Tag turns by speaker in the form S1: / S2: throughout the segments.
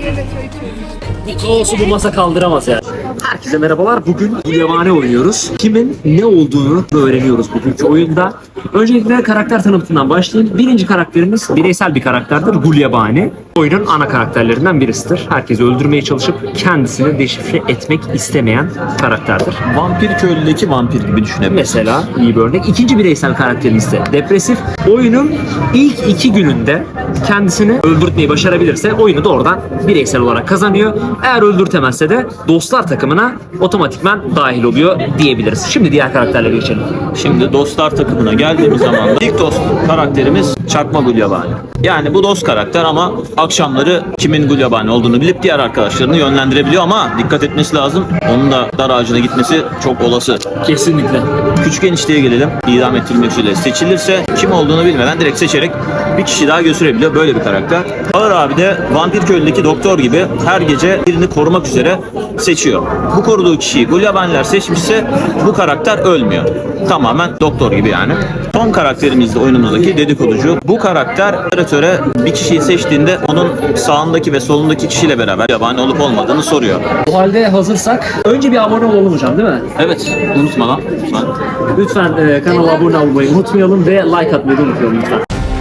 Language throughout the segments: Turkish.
S1: Bu kaosu bu masa kaldıramaz yani. Herkese merhabalar. Bugün Gulyabani oynuyoruz. Kimin ne olduğunu öğreniyoruz bugünkü oyunda. Öncelikle karakter tanıtımından başlayayım. Birinci karakterimiz bireysel bir karakterdir. Gulyabani. Oyunun ana karakterlerinden birisidir. Herkesi öldürmeye çalışıp kendisini deşifre etmek istemeyen karakterdir.
S2: Vampir köylüdeki vampir gibi düşünebiliriz.
S1: Mesela iyi bir örnek. İkinci bireysel karakterimiz de depresif. Oyunun ilk 2 gününde kendisini öldürtmeyi başarabilirse oyunu doğrudan bireysel olarak kazanıyor. Eğer öldürtemezse de dostlar takımına otomatikman dahil oluyor diyebiliriz. Şimdi diğer karakterlere geçelim.
S2: Şimdi dostlar takımına geldiğimiz zaman da ilk dost karakterimiz Çakma Gulyabani. Yani bu dost karakter ama akşamları kimin Gulyabani olduğunu bilip diğer arkadaşlarını yönlendirebiliyor ama dikkat etmesi lazım. Onun da dar ağacına gitmesi çok olası.
S1: Kesinlikle.
S2: Küçük enişteye gelelim. İdam ettirilmek üzere seçilirse kim olduğunu bilmeden direkt seçerek bir kişi daha götürebiliyor. Böyle bir karakter. Ağır abi de vampir köylüdeki doktor gibi her gece birini korumak üzere seçiyor. Bu koruduğu kişiyi Gulyabaniler seçmişse bu karakter ölmüyor. Tamamen doktor gibi yani. Son karakterimiz de oyunumuzdaki dedikoducu. Bu karakter operatöre bir kişiyi seçtiğinde onun sağındaki ve solundaki kişiyle beraber yabani olup olmadığını soruyor.
S1: O halde hazırsak önce bir abone olalım hocam, değil mi?
S2: Evet, unutma lan. Lütfen.
S1: Lütfen kanala abone olmayı unutmayalım ve like atmayı da unutmayalım lütfen.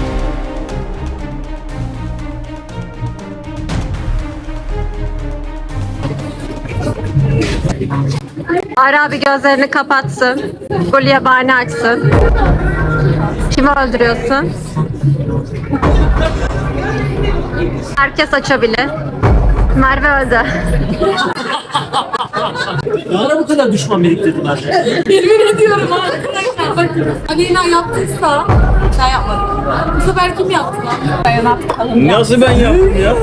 S3: Ara abi gözlerini kapatsın. Gulyabani açsın. Kimi öldürüyorsun? Herkes açabilir. Merve öldü.
S1: Ne ara bu kadar düşman biriktirdiler?
S4: Yemin ediyorum arkadaşlar bakın. Aleyna yaptıysa ben yapmadım. Bu sefer kim yaptı lan? Dayanat kalın.
S2: Nasıl ben yaptım ya?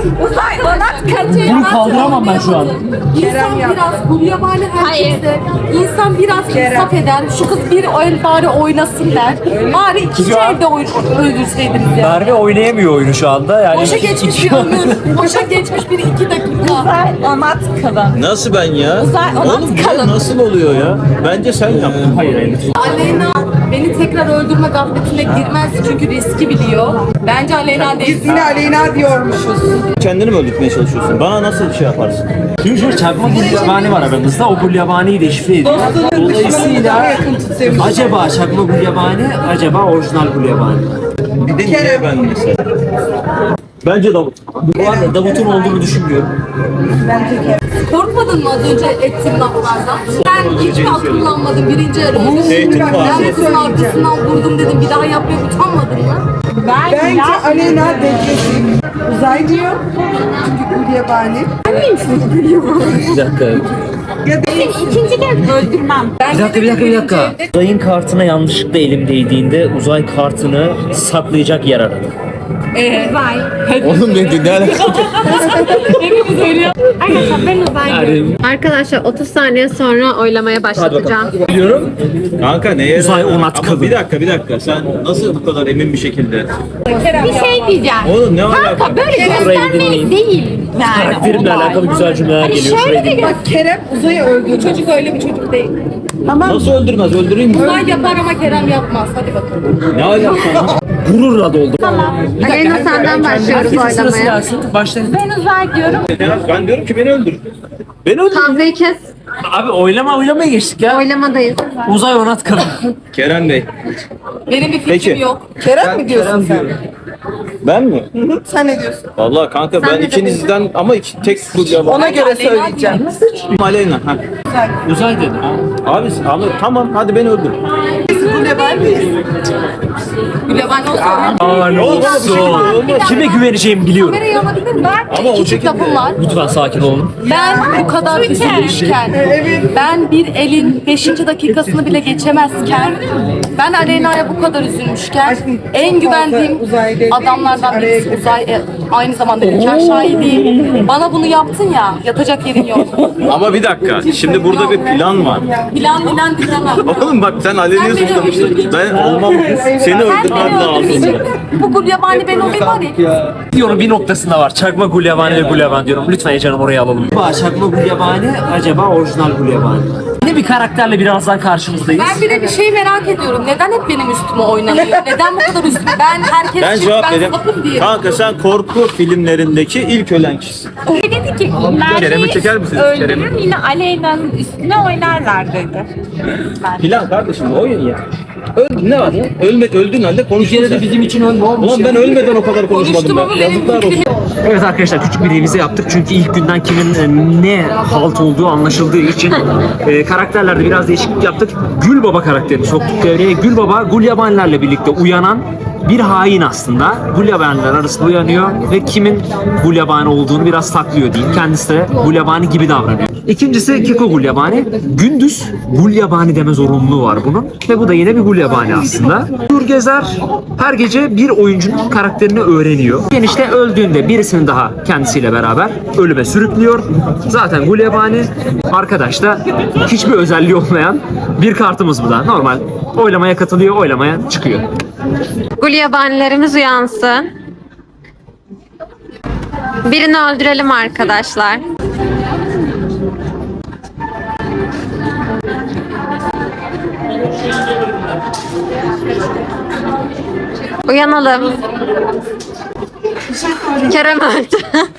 S1: Bunu kaldıramam ben şu an.
S4: İnsan biraz Gulyabani herkese. İnsan biraz insaf eder. Şu kız bir el bari oynasın der. Bari ikinci elde öldürseydiniz ya.
S1: Merve oynayamıyor oyunu şu anda. Yani
S4: Boşa geçmiş bir ömür. Boşa geçmiş bir 2 dakika.
S5: Onat kalın.
S2: Nasıl ben ya?
S5: ona
S2: Oğlum bu
S5: kalın.
S2: nasıl oluyor ya? Bence sen yaptın.
S1: hayır.
S4: Aleyna beni tekrar öldürme gafletine girmez çünkü riski biliyor. Bence Aleyna değil.
S5: Yine Aleyna diyormuşuz.
S2: Kendini mi öldürtmeye çalışıyorsun? Bana nasıl şey yaparsın?
S1: Şimdi şöyle çakma Gulyabani var aramızda. O Gulyabani'yi deşifre ediyor. Dolayısıyla acaba çakma Gulyabani, acaba orijinal Gulyabani?
S2: Bir de niye ben mesela? Bence Davut.
S1: Bu arada Davut'un olduğunu düşünmüyorum.
S4: Korkmadın mı az önce ettiğim laflardan? Ben hiç mi kullanmadım birinci arayı?
S2: Zeytin
S4: Ben
S2: var.
S4: de kızın arkasından vurdum dedim bir daha yapmaya utanmadın mı?
S5: Bence Aleyna depresif. Uzay diyor. Çünkü Gulyabani.
S1: Bir dakika.
S5: İkinci kez öldürmem.
S1: Bir dakika. Uzayın kartına yanlışlıkla elim değdiğinde uzay kartını saklayacak yer aradım.
S2: Oğlum ne alakası?
S3: Arkadaşlar ben uzay Arkadaşlar 30 saniye sonra oylamaya başlatacağım.
S1: Biliyorum.
S2: Kanka neye?
S1: Uzay onat
S2: Ama
S1: kadın.
S2: bir dakika. Sen nasıl bu kadar emin bir şekilde?
S5: Bir şey diyeceğim.
S2: Oğlum ne alaka?
S5: Kanka böyle
S1: Burayı
S5: göstermelik
S1: dinleyin.
S5: değil. Yani
S1: Karakterimle
S5: olay.
S1: alakalı güzel cümleler
S5: Hani
S1: geliyor.
S5: şöyle
S1: Şurayı
S5: de
S1: dinleyin.
S5: bak Kerem uzayı öldürdü.
S4: Çocuk öyle bir çocuk değil.
S2: Nasıl öldürmez? Öldüreyim mi?
S4: Uzay yapar ama Kerem yapmaz. Hadi bakalım.
S2: Ne alaka?
S1: Gururla doldu.
S3: Aleyna senden başlıyoruz oylamaya.
S1: Başlayın.
S5: Ben uzay diyorum.
S2: Ben diyorum ki beni öldür. Beni öldür.
S3: Hamza'yı kes.
S1: Abi oylamaya geçtik ya.
S3: Oylamadayız.
S1: Uzay onat kadın.
S2: Kerem Bey.
S4: Benim bir fikrim
S2: Peki.
S4: yok.
S5: Kerem mi diyorsun sen?
S2: Ben mi?
S5: Sen ne diyorsun?
S2: Vallahi kanka ben
S3: de
S2: ikinizden ama tek Gulyabani.
S5: Ona göre söyleyeceğim.
S2: Aleyna. Ha.
S1: Uzay dedi.
S2: Abi ama tamam hadi beni öldür.
S5: Gulyabani'yiz.
S4: Gulyabani olsa
S1: Aa ne olsun. Kime güveneceğimi biliyorum.
S4: kamerayı alabilir miyim?
S2: Ama o
S4: Küçük
S2: şekilde.
S4: lafım var.
S1: Lütfen sakin olun.
S4: Ben bu kadar üzülmüşken, ben bir elin 5. dakikasını bile geçemezken, ben Aleyna'ya bu kadar üzülmüşken, en güvendiğim adamlardan birisi Uzay, aynı zamanda nikah şahidiyim. Bana bunu yaptın ya, yatacak yerin yok.
S2: Ama bir dakika. Şimdi burada bir plan var.
S4: Plan dinlemem.
S2: Oğlum bak sen Aleyha'yı suçlamışsın. Ben olmam. Seni öldürmem lazım.
S4: Bu Gulyabani ben olayım var ya.
S1: Diyorum bir noktasında var. Çakma Gulyabani ve Gulyabani diyorum. Lütfen canım oraya alalım. Acaba çakma Gulyabani, acaba orijinal Gulyabani. Yeni bir karakterle birazdan karşınızdayız.
S4: Ben bir de bir şey merak ediyorum. Neden hep benim üstüme oynanıyor? Neden bu kadar üstüme? Ben herkes
S2: Ben
S4: için
S2: cevap vereyim.
S4: sapım diye.
S2: Kanka sen korku filmlerindeki ilk ölen kişisin.
S6: Dedi ki
S2: Kerem'i çeker misiniz? Kerem'i.
S6: öldürür yine Aleyna'nın üstüne oynarlar dedi.
S2: Plan kardeşim oyun ya. Öldün ne var ya? Öldüğün halde
S1: Bir
S2: konuştun
S1: kere de
S2: sen.
S1: bizim için ölme olmuş.
S2: Ulan ben ölmeden o kadar konuşmadım
S4: Konuştum
S2: ben.
S4: ama benim
S2: Yazıklar olsun.
S1: Evet arkadaşlar küçük bir revize yaptık çünkü ilk günden kimin ne halt olduğu anlaşıldığı için karakterlerde biraz değişiklik yaptık. Gülbaba karakterini soktuk devreye. Gülbaba Gulyabanilerle birlikte uyanan bir hain aslında. Gulyabaniler arasında uyanıyor ve kimin Gulyabani olduğunu biraz saklıyor diyeyim. Kendisi de Gulyabani gibi davranıyor. İkincisi Keko Gulyabani. Gündüz Gulyabani deme zorunluluğu var bunun. Ve bu da yine bir Gulyabani aslında. Gezer her gece bir oyuncunun karakterini öğreniyor. İşte öldüğünde birisini daha kendisiyle beraber ölüme sürüklüyor. Zaten Gulyabani arkadaş da hiçbir özelliği olmayan bir kartımız bu da. Normal oylamaya katılıyor, oylamaya çıkıyor.
S3: Gulyabanilerimiz uyansın. Birini öldürelim arkadaşlar. Uyanalım. Kerem öldü.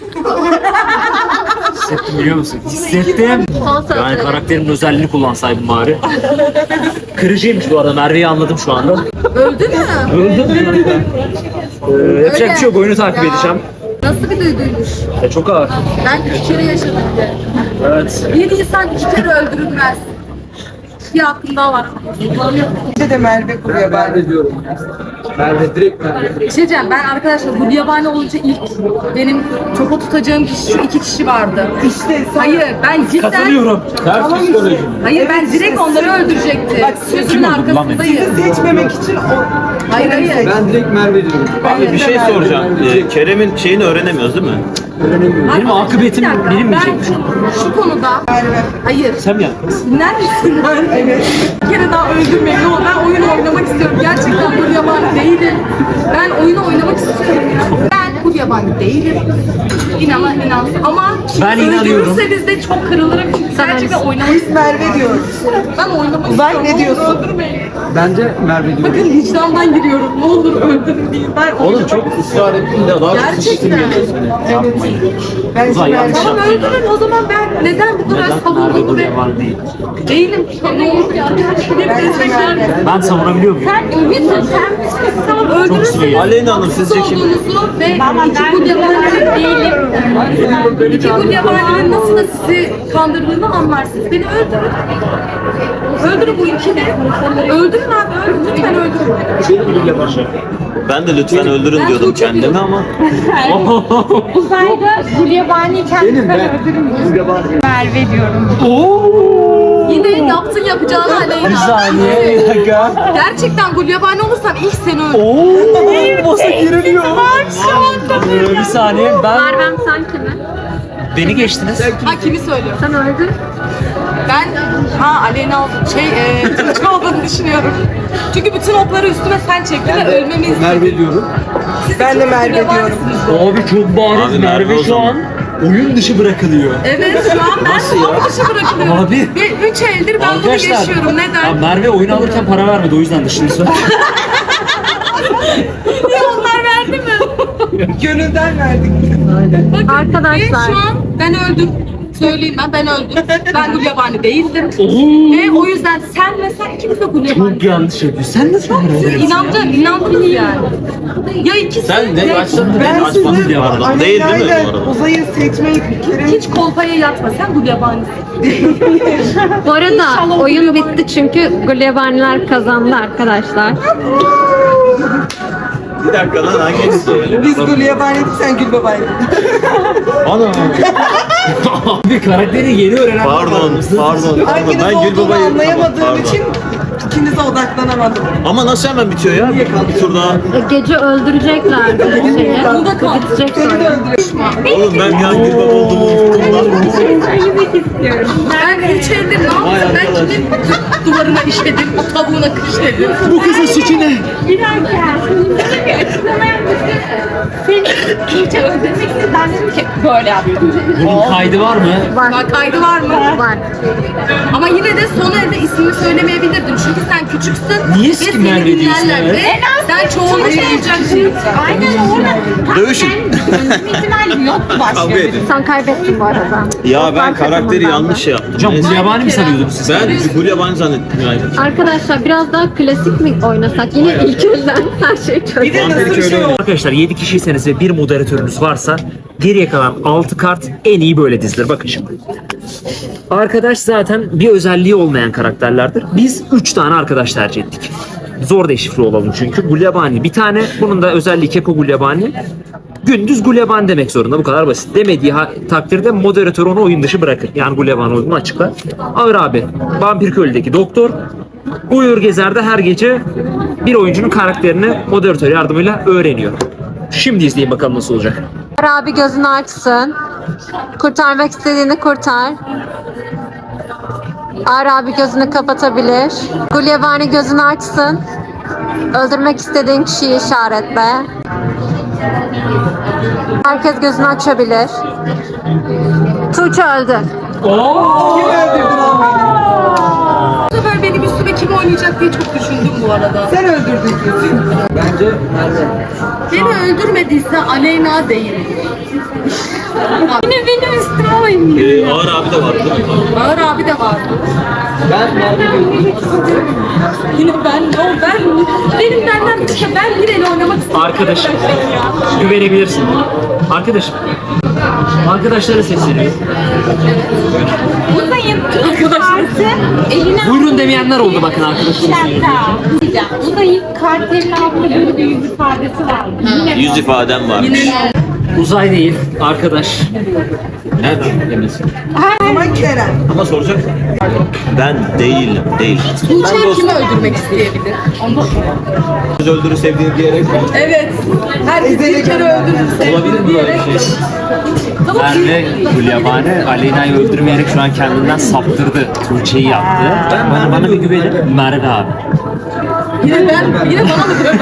S1: Hissettim biliyor musun? Hissettim. Yani karakterimin özelliğini kullansaydım bari. Kırıcıymış bu arada. Merve'yi anladım şu anda.
S4: Öldün mü?
S1: Öldüm. Yapacak bir şey yok. Oyunu takip edeceğim.
S4: Nasıl bir duyguymuş?
S1: Çok ağır.
S4: Ben 2 kere yaşadım de.
S1: Evet.
S4: Bir insan 2 kere öldürülmez. Bir aklım daha var.
S5: Bir de Merve Gulyabani diyorum. Merve direkt Merve.
S4: Bir şey diyeceğim, ben arkadaşlar Gulyabani olunca ilk benim topa tutacağım kişi şu 2 kişi vardı.
S5: İşte sen...
S4: Hayır, ben cidden...
S1: Katılıyorum.
S2: Ters psikoloji.
S4: Hayır, ben direkt onları öldürecektim.
S5: Bak,
S4: Sözümün arkasındayım.
S5: Sizi seçmemek için o...
S4: Hayır, hayır.
S5: Ben direkt Merve diyorum.
S2: Abi bir şey soracağım. Kerem'in şeyini öğrenemiyoruz değil mi?
S1: Benim akıbetim
S4: Bir dakika,
S1: benim mi
S4: ben
S1: çekmiş?
S4: şu konuda...
S5: Merve.
S4: Hayır.
S1: Sen mi yaptın?
S4: Dinler misin?
S5: Evet.
S4: Bir kere daha öldürmeyin. No, ben oyun oynamak istiyorum. Gerçekten Gulyabani değilim. Ben oyunu oynamak istiyorum. Ben Gulyabani değilim. İnansın. Ama
S1: Ben inanıyorum.
S4: öldürürseniz de çok kırılırım. Çünkü gerçekten oynamak
S5: Biz Merve diyoruz.
S4: Ben oynamak
S5: Uzay
S4: istiyorum.
S5: ne diyorsun?
S4: Öldürmeyin.
S5: Bence Merve diyorum.
S4: Bakın vicdandan giriyorum. Ne olur öldürün diye. Ben
S2: Oğlum
S4: oynamak-
S2: çok ısrar ettin de daha
S4: Gerçekten.
S5: Bence
S1: Uzay yanlış
S5: Merve.
S4: Tamam
S1: yaptın
S4: öldürün o zaman ben neden bu kadar
S1: Neden Merve
S4: savunduğumu ve
S1: Gulyabani değil?
S4: değilim. Ne olur ya. Hep destekler.
S1: Ben savunabiliyor muyum?
S4: Sen ümitsin. Tamam öldürürsün.
S2: Aleyna Hanım sizce kim?
S4: Olduğunuzu ve iki Gulyabani değilim. İki Gulyabani'nin nasıl da sizi kandırdığını anlarsınız. Beni öldürün. Öldürün bu ikili. Öldürün abi öldürün. Lütfen öldürün.
S2: Ben de lütfen öldürün diyordum
S4: çok
S2: kendime ama
S6: Uzayda Gulyabani kendisi öldürür. Merve diyorum.
S4: Yine yaptın yapacağını Aleyna.
S1: Bir saniye, bir dakika.
S4: Gerçekten Gulyabani olursam ilk seni öldürürüm.
S1: Ooo, masa giriliyor. Bir saniye,
S3: Mervem sen kimi?
S1: beni geçtiniz.
S4: Ha kimi söylüyorum?
S3: Sen öldün.
S4: Ben Aleyna Tuğçe olduğunu düşünüyorum. Çünkü bütün okları üstüme sen çektin ve ölmemi istedin.
S5: Merve diyorum. Ben de Merve diyorum.
S1: Abi çok bariz
S2: Abi Merve
S1: Merve
S2: o
S1: şu
S2: zaman.
S1: an oyun dışı bırakılıyor.
S4: Evet şu an ben top dışı bırakılıyorum.
S1: Abi.
S4: Ve 3 eldir ben bunu yaşıyorum.
S1: Ya
S4: Neden?
S1: Merve oyunu alırken para vermedi o yüzden dışını söyle.
S4: Niye onlar verdi mi?
S5: Gönülden verdik.
S4: Bakın,
S3: Arkadaşlar.
S4: ve şu an ben öldüm. Söyleyeyim ben öldüm. Ben Gulyabani değildim.
S1: Oo.
S4: Ve o yüzden sen ve sen ikiniz de Gulyabani.
S1: Çok yanlış yapıyorsun. Sen nasıl Merve?
S4: İnandınız yani. Ya ikisi
S2: sen ne
S4: ya
S2: başladın
S5: Ben
S2: ne
S5: sizi
S2: açmadın diye vardı. Değil değil mi bu arada?
S5: Uzay'ı seçmeyi bir kere...
S4: hiç kolpaya yatma. Sen Gulyabani'sin.
S3: Bu arada oyun bitti çünkü Gulyabaniler kazandı arkadaşlar.
S2: Bir dakika lan hangisi söyle?
S5: Biz Gulyabani'dik, sen Gülbaba'ydın.
S2: Ana.
S1: Bir karakteri yeni öğrenen
S2: Pardon.
S5: Hanginiz
S2: Ben
S5: olduğunu
S2: Gülbaba'yı
S5: anlayamadığım
S2: Pardon.
S5: için ikinize odaklanamadım.
S2: Ama nasıl hemen bitiyor ya? Bir tur daha.
S3: Gece öldüreceklerdi şeyi. Bitecek sonra.
S2: Oğlum ben ya Gülbaba olduğumu unuttum lan.
S4: Ben 3 eldir ne yaptım?
S2: Vay
S4: Ben
S2: arkadaş.
S4: kimin duvarına işledim, tavuğuna kışledim.
S1: Bu kızın suçu ne?
S6: Bir dakika. Şimdi bir açıklama yapmak Seni iyice öldürmek istedim. Ben dedim ki böyle yaptım.
S1: Bunun kaydı var mı?
S4: Kaydı var mı?
S3: Var.
S4: Ama yine de son elde ismini söylemeyebilirdin. Çünkü sen küçüksün.
S1: Niye
S4: ve
S1: skin
S4: seni
S1: vermediyorsun
S4: dinlerler
S1: ya?
S4: ve sen çoğunluk olacaksın.
S6: Aynen orada.
S2: Dövüşün.
S6: Benim ihtimalim yoktu
S2: Kavga
S6: başlıyor.
S2: edin.
S3: Sen kaybettin bu arada.
S2: Ya ben karakteri yanlış şey yaptım.
S1: Hocam bu yabani mi sanıyordunuz siz?
S2: Ben Gulyabani zannettim yani.
S3: Arkadaşlar biraz daha klasik mi oynasak? Yine ilk elden her şey çözdük.
S2: Vampir köylü
S1: Arkadaşlar 7 kişiyseniz ve bir moderatörünüz varsa geriye kalan 6 kart en iyi böyle dizilir. Bakın şimdi. Arkadaş zaten bir özelliği olmayan karakterlerdir. Biz 3 tane arkadaş tercih ettik. Zor deşifre olalım çünkü. Gulyabani bir tane. Bunun da özelliği Keko Gulyabani. Gündüz Gulyabani demek zorunda. Bu kadar basit. Demediği takdirde moderatör onu oyun dışı bırakır. Yani Gulyabani olduğunu açıklar. Ağır abi. Vampir Köylü'deki doktor. Uyur Gezer'de her gece bir oyuncunun karakterini moderatör yardımıyla öğreniyor. Şimdi izleyin bakalım nasıl olacak.
S3: Abi gözünü açsın. Kurtarmak istediğini kurtar. Ağır abi gözünü kapatabilir. Gulyabani gözünü açsın. Öldürmek istediğin kişiyi işaretle. Herkes gözünü açabilir. Tuğçe öldü.
S4: Bu sefer benim üstüme kim oynayacak diye çok düşündüm bu arada.
S5: Sen öldürdün kızı. Bence Merve.
S4: Beni öldürmediyse Aleyna değil.
S6: Yine benim üstüme oynuyor.
S2: Ağır abi de vardı değil mi?
S4: Ağır abi de vardı.
S5: Ben Merve gördüm.
S4: Yine benim benden başka ben bir el oynamak istiyorum.
S1: Arkadaşım. Güvenebilirsin. Arkadaşım. Arkadaşlara sesleniyor.
S6: Uzayın. Kartı eline
S1: Buyurun demeyenler oldu bakın arkadaşlar.
S6: Uzayın kartının altında böyle bir yüz ifadesi vardı. Yine
S2: Yüz ifadem varmış.
S1: Uzay değil, arkadaş.
S2: Nereden eminsin?
S5: Ama Kerem.
S2: Ama soracak. Ben değilim. Değil.
S4: Tuğçe kimi öldürmek isteyebilir?
S2: Kız öldürü sevdiğini diyerek
S4: Evet. Herkes bir kere öldürürse.
S2: olabilir mi böyle bir şey?
S1: Merve Gulyabani Aleyna'yı öldürmeyerek şu an kendinden saptırdı. Tuğçe'yi yaptı. Bana bir güvenin. Merve abi.
S4: Yine bana mı böyle?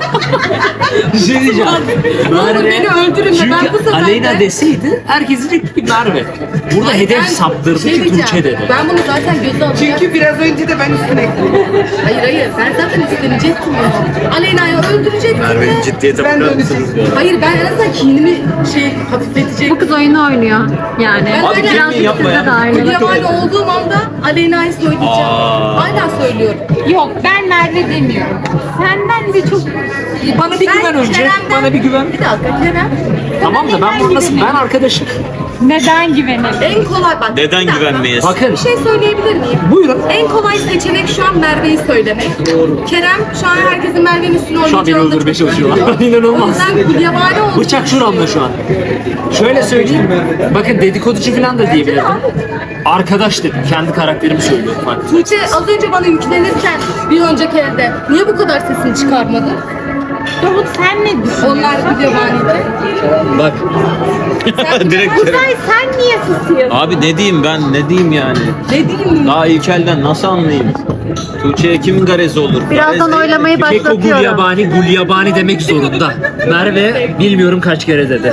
S1: Bir şey diyeceğim.
S4: Ne olur beni öldürün de ben bu
S1: Çünkü
S4: sefer
S1: Aleyna
S4: de...
S1: deseydi herkes diyecek ki Merve. Burada hedef
S4: Ben
S1: saptırdı
S4: şey
S1: ki
S4: diyeceğim,
S1: Tuğçe dedi.
S4: Ben bunu zaten göze alacağım.
S5: Çünkü biraz önce de ben üstüne ekledim.
S4: Hayır ben zaten üstlenecektim ya. Aleyna'yı öldürecektim
S2: Merve'nin
S4: de.
S2: ciddiyete
S5: Ben de
S2: bakar
S5: öyle
S2: mısınız?
S4: Hayır ben en azından kinimi hafifletecektim.
S3: Bu kız oyunu oynuyor. Yani.
S4: Ben
S2: Abi
S4: öyle
S2: kim
S3: Birazcık
S2: yapma
S3: size
S2: ya.
S3: de ayrılır.
S4: Yabancı olduğum anda Aleyna'yı söyleyeceğim. Hala söylüyorum.
S6: yok ben Merve demiyorum. Senden de çok
S1: Bana bir güven önce.
S4: Kerem'den-
S1: Bana bir güven.
S4: Bir dakika Kerem.
S1: Tamam da ben bunu nasıl? Ben arkadaşım.
S6: neden güvenelim?
S4: En kolay bak.
S2: Neden
S4: bir dakika.
S2: güvenmeyiz?
S1: Bakın.
S4: Bir şey söyleyebilir miyim?
S1: Buyurun.
S4: En kolay seçenek şu an Merve'yi söylemek. Kerem şu an herkesin Merve'nin üstüne
S1: Şu an beni
S4: oynayacağını da
S1: öldürmeye
S4: çok
S1: çalışıyorlar.
S4: biliyor. O
S1: İnanılmaz.
S4: yüzden Gulyabani oldu.
S1: Bıçak şuramda şu an. Şöyle söyleyeyim. Bakın dedikoducu falan da diyebilirdim. Arkadaş dedim. Kendi karakterimi söylüyorum. Bak.
S4: Tuğçe az önce bana yüklenirken bir önceki elde niye bu kadar sesini çıkarmadı?
S6: Davut sen ne düşünüyorsun?
S4: Onlar Gulyabani'de.
S1: Bak.
S2: Direkt
S6: Uzay sen niye susuyorsun?
S2: Abi ne diyeyim ben? Ne diyeyim yani?
S4: Ne diyeyim?
S2: Daha ilk elden nasıl anlayayım? Tuğçe'ye kimin garezi olur?
S3: Birazdan
S2: Garez değil.
S3: oylamayı
S1: Keko
S3: başlatıyorum.
S1: Gulyabani, Gulyabani demek zorunda. Merve bilmiyorum kaç kere dedi.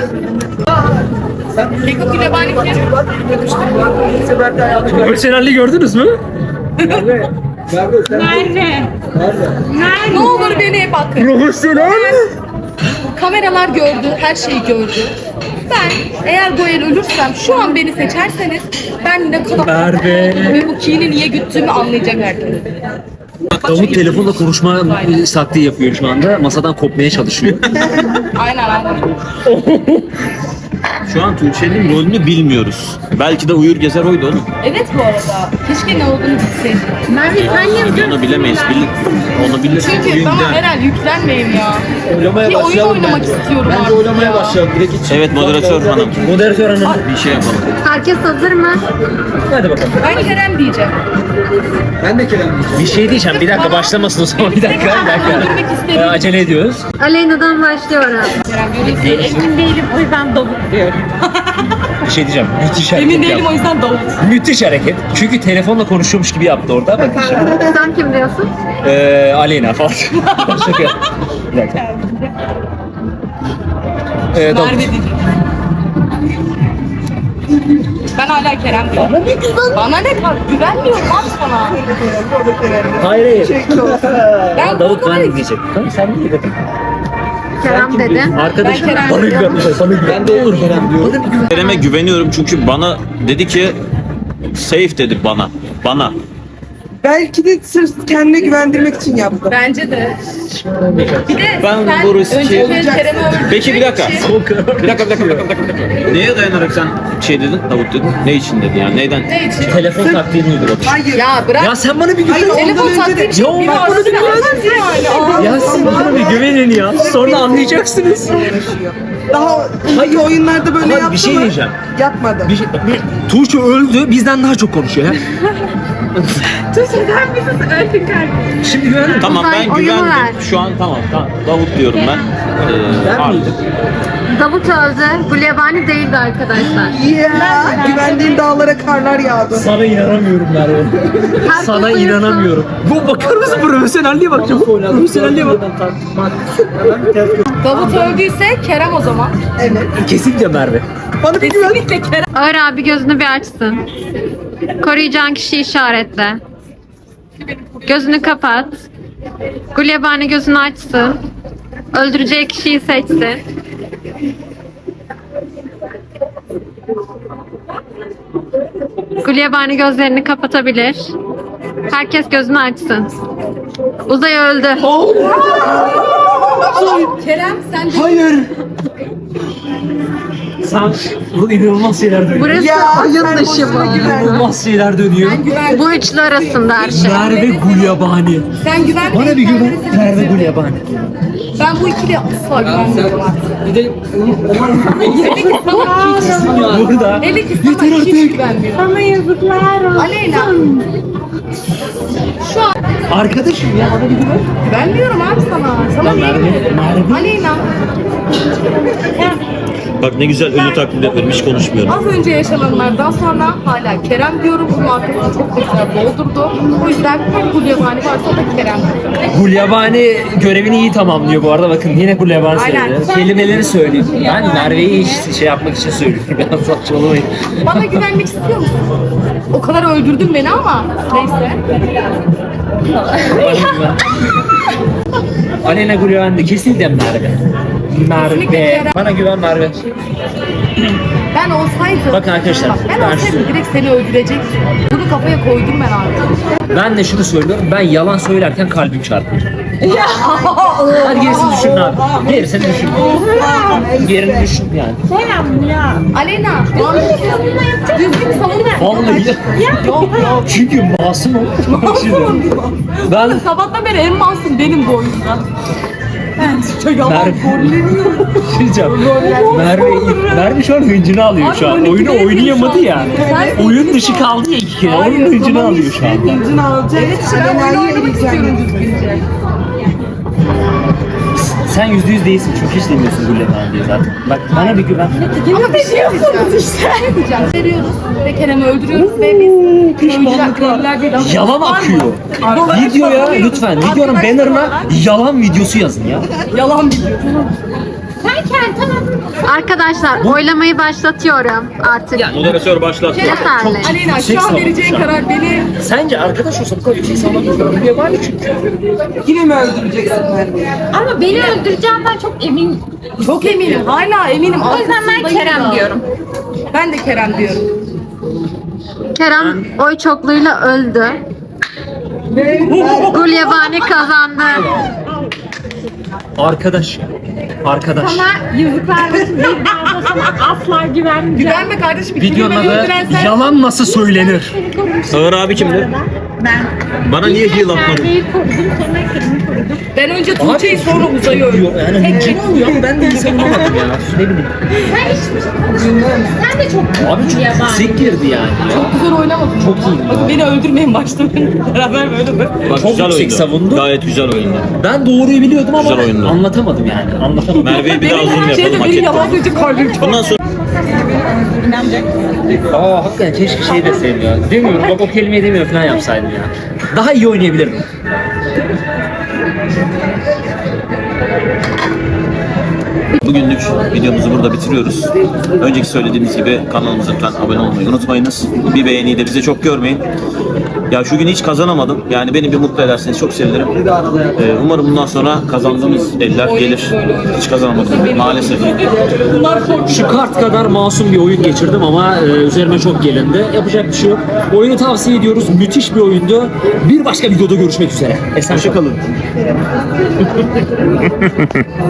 S4: Keko Gulyabani kim?
S1: Profesyonelliği gördünüz mü?
S5: Merve sen
S6: Merve.
S4: Ne olur beni bakın.
S1: Profesyonel.
S4: Kameralar gördü, her şeyi gördü. Ben eğer bu el ölürsem şu an beni seçerseniz ben ne kadar
S1: Merve.
S4: ve bu kini niye güttüğümü anlayacak herkes.
S1: Davut telefonla konuşma taktiği yapıyor şu anda. Masadan kopmaya çalışıyor.
S4: Aynen.
S2: Şu an Tuğçe'nin rolünü bilmiyoruz. Belki de Uyur Gezer oydu oğlum.
S4: Evet bu arada. Keşke ne olduğunu bilseydim.
S6: Merve sen niye
S2: Onu bilemeyiz. Onu bilirsek
S4: Çünkü
S2: oyun
S4: bana
S2: der.
S4: herhalde yüklenmeyin ya.
S5: oylamaya
S4: Bir oyun
S5: başlayalım
S4: oynamak
S5: bence.
S4: istiyorum
S5: Bence
S4: artık
S5: oylamaya
S4: ya.
S5: başlayalım. Direkt hiç.
S2: Evet moderatör hanım.
S1: Moderatör hanım.
S2: Bir şey yapalım.
S3: Herkes hazır mı?
S1: Hadi bakalım.
S4: Ben Kerem diyeceğim.
S5: Ben de Kerem diyeceğim.
S1: Bir şey diyeceğim. Bir dakika başlamasın o zaman. Bir dakika.
S4: Öldürmek istedim.
S1: Acele ediyoruz.
S3: Aleyna'dan başlıyorum.
S6: emin değilim o yüzden Davut diyorum.
S1: Bir şey diyeceğim. Müthiş hareket
S4: Emin değilim o
S1: yaptı.
S4: yüzden Davut.
S1: Müthiş hareket. Çünkü telefonla konuşuyormuş gibi yaptı orada. Bakın şimdi.
S3: Sen kim diyorsun?
S1: Aleyna falan. Şaka. Bir dakika. Davut.
S4: Merve değil. Ben hala Kerem diyorum. Bana ne kadar güvenmiyorum abi sana.
S1: Hayır hayır.
S4: Ben
S1: Davut
S4: korkuyorum.
S1: ben diyecek. Tamam sen ne dedin?
S3: Kerem dedi.
S1: Arkadaşım
S4: Ben Kerem
S1: bana güven. Bana güven. Ben de olur Kerem diyorum.
S2: Kerem'e güveniyorum çünkü bana dedi ki safe dedi bana. Bana.
S5: Belki de sırf kendine güvendirmek için yaptı.
S4: Bence de. Bir de
S2: Ben
S4: sen
S2: bu riski-
S4: önce Kerem'i öldürdüğün
S2: Peki bir dakika.
S4: için-
S2: Bir dakika. Neye dayanarak sen şey dedin? Davut dedin. Ne için dedi yani? Neyden?
S4: Ne için?
S1: Telefon taktiğini uygulamış.
S5: Hayır.
S4: Ya bırak.
S1: Ya sen bana bir güven.
S5: Hayır,
S4: Telefon
S5: ondan önce
S4: taktiği
S5: de-
S4: için
S1: Ya
S4: biri
S1: bak bana bir
S4: arasında
S1: güven.
S4: yani.
S1: Ya siz bana bir güvenin ya. Sonra anlayacaksınız.
S5: Daha önceki oyunlarda böyle
S1: Ama
S5: yaptı
S1: bir şey
S5: mı?
S1: diyeceğim.
S5: Yapmadı.
S1: Tuğçe öldü. Bizden daha çok konuşuyor ya. Şimdi güvendim.
S2: Tamam ben
S3: Uzay oyunu ver.
S2: güvendim. Şu an tamam. Davut diyorum ben.
S1: Ben
S2: Abi.
S1: miydim?
S3: Davut öldü. Gulyabani değildi arkadaşlar.
S5: Ya güvendiğim dağlara karlar yağdı.
S1: Sana inanamıyorum Merve.
S3: Herkes
S1: Sana
S3: uyusun.
S1: inanamıyorum. Bu bakar mısın profesyonelliğe bak. Profesyonelliğe bak.
S4: Davut öldüyse Kerem o zaman.
S5: Evet.
S1: Kesinlikle Merve.
S5: Bana bir güven.
S4: Kesinlikle Kerem.
S3: Ağır abi gözünü bir açsın. Koruyacağın kişiyi işaretle. Gözünü kapat. Gulyabani gözünü açsın. Öldüreceği kişiyi seçsin. Gulyabani gözlerini kapatabilir. Herkes gözünü açsın. Uzay öldü.
S4: Kerem sen de
S5: Hayır.
S1: Sen bu inanılmaz şeyler dönüyor.
S3: Burası
S5: Ya
S3: oyun
S5: sen
S3: dışı
S5: boşuna
S3: mı?
S5: güvenme.
S1: İnanılmaz şeyler dönüyor.
S4: güven.
S3: Bu üçlü arasında her şey.
S1: Merve Gulyabani.
S4: Sen güven.
S1: Bana bir güven. Merve Gulyabani.
S4: Ben bu ikiliye asla güvenmiyorum artık.
S1: Bir de
S4: Hele ki sana hiç.
S1: burada.
S4: Hele ki sana hiç güvenmiyorum.
S6: Sana yazıklar olsun.
S4: Aleyna. Şu an
S1: Arkadaşım ya bana bir güven.
S4: güvenmiyorum abi sana. Sana niye güvenirim?
S1: Merve.
S4: Aleyna.
S2: Bak ne güzel ölü taklidi yapıyorum. Hiç konuşmuyorum.
S4: Az önce yaşananlardan sonra hala Kerem diyorum. Bunun arkasını çok güzel doldurdu. O yüzden her Gulyabani varsa o da Kerem.
S1: Gulyabani görevini iyi tamamlıyor bu arada. Bakın yine Gulyabani
S4: Aynen.
S1: söyledi. Kelimeleri söylüyor. Ben Merve'yi hiç şey yapmak için söylüyorum. Biraz saçmalamayın.
S4: Bana güvenmek istiyor musun? O kadar öldürdün beni ama neyse.
S1: Aleyna Gulyabani kesinlikle Merve.
S4: Kesinlikle
S1: Merve.
S4: Kerem.
S1: Bana güven Merve.
S4: Ben olsaydım.
S1: Bakın arkadaşlar,
S4: Bak, ben
S1: ben
S4: olsaydım
S1: şu-
S4: direkt seni öldürecektim. Bunu kafaya koydum ben artık.
S1: Ben de şunu söylüyorum. Ben yalan söylerken kalbim çarpıyor. Hadi gerisini düşün abi. Gerisini düşün. Gerini düşün yani.
S4: Aleyna. Düzgün savunma.
S1: Vallahi
S4: Yok yok.
S1: çünkü masum o. Ben
S4: Sabahtan beri en masum benim bu oyunda.
S1: Merve Merve şu an hıncını alıyor şu an.
S4: Abi,
S1: Oyunu
S4: 12
S1: oynayamadı
S4: şu
S1: ya.
S4: an. Sen-
S1: Oyun dışı kaldı ya 2 kere.
S4: Hayır,
S1: Onun hıncını
S4: tamam
S1: alıyor şu an.
S5: Hıncını alacak.
S4: Evet işte ben oyunu
S5: Alena'yı
S4: oynamak istiyorum
S5: eleyeceğim.
S4: düzgünce.
S1: Sen %100 değilsin çünkü hiç demiyorsun Gulyabani diye zaten. Bak bana bir güven.
S4: Ama bir şey yapıyorsunuz işte. Ne diyeceğim? Veriyoruz ve Kerem'i öldürüyoruz ve biz köylüler değil. ama-
S1: Yalan akıyor. Videoya lütfen videonun bannerına yalan videosu yazın ya.
S4: Yalan biliyor.
S3: Arkadaşlar oylamayı başlatıyorum artık.
S2: Moderatör başlat.
S3: Yeterli.
S4: Aleyna
S1: Yüksek
S4: şu an
S1: savunma
S4: vereceğin
S1: şu an.
S4: karar beni
S1: Sence arkadaş olsa bu kadar yüksek savunma Gulyabani çünkü.
S5: Yine mi öldüreceksin Merve'yi?
S6: Ama beni öldüreceğimden çok eminim.
S4: çok eminim. Hala eminim.
S6: O yüzden ben
S4: Arkasındayım
S6: Kerem
S4: da.
S6: diyorum.
S4: Ben de Kerem diyorum.
S3: Kerem oy çokluğuyla öldü. Gulyabani kazandı.
S1: Arkadaş.
S6: Sana yazıklar olsun. Bir daha da sana asla güvenmeyeceğim.
S4: Güvenme kardeşim.
S1: Videonun
S4: Videonun
S1: adı yalan nasıl söylenir?
S2: Ağır abi kimdi?
S6: Ben.
S2: Bana niye heal atmadın?
S6: Merve'yi korudum, sonra Kerem'i korudum.
S4: Ben önce Tuğçe'yi sonra Uzay'ı öldürdüm.
S1: Yani hıncını alıyor ama ben de iyi savunamadım ya. Ne bileyim.
S6: Sen hiçbir şey konuşmuyorsun. Sen de çok
S1: Abi çok
S6: yabancı.
S1: yüksek girdi yani.
S4: Çok güzel oynamadım.
S1: Çok iyi.
S4: Bakın beni öldürmeyin başta. Beraber böyle bak.
S2: Bak
S1: Çok
S2: güzel
S1: yüksek
S2: oyundu.
S1: savundu.
S2: Gayet güzel oyundu.
S1: Ben doğruyu biliyordum ama
S2: Güzel oyundu.
S1: anlatamadım yani. Anlatamadım.
S2: Merve'ye bir daha zoom
S4: Benim her şeyde
S2: yapalım hak
S4: benim yalan
S2: etti.
S4: söyleyecek kalbim çok.
S2: Bundan sonra
S1: Aa hakikaten keşke şey deseydim ya. Demiyorum bak o kelimeyi demiyor falan yapsaydım ya. Daha iyi oynayabilirdim.
S2: Bugünlük videomuzu burada bitiriyoruz. Önceki söylediğimiz gibi kanalımıza lütfen abone olmayı unutmayınız. Bir beğeniyi de bize çok görmeyin. Ya şu gün hiç kazanamadım. Yani beni bir mutlu ederseniz çok sevinirim. Umarım bundan sonra kazandığımız eller gelir. Hiç kazanamadım maalesef.
S1: Şu kart kadar masum bir oyun geçirdim ama üzerime çok gelindi. Yapacak bir şey yok. Oyunu tavsiye ediyoruz. Müthiş bir oyundu. Bir başka videoda görüşmek üzere. Esen
S2: Hoşçakalın.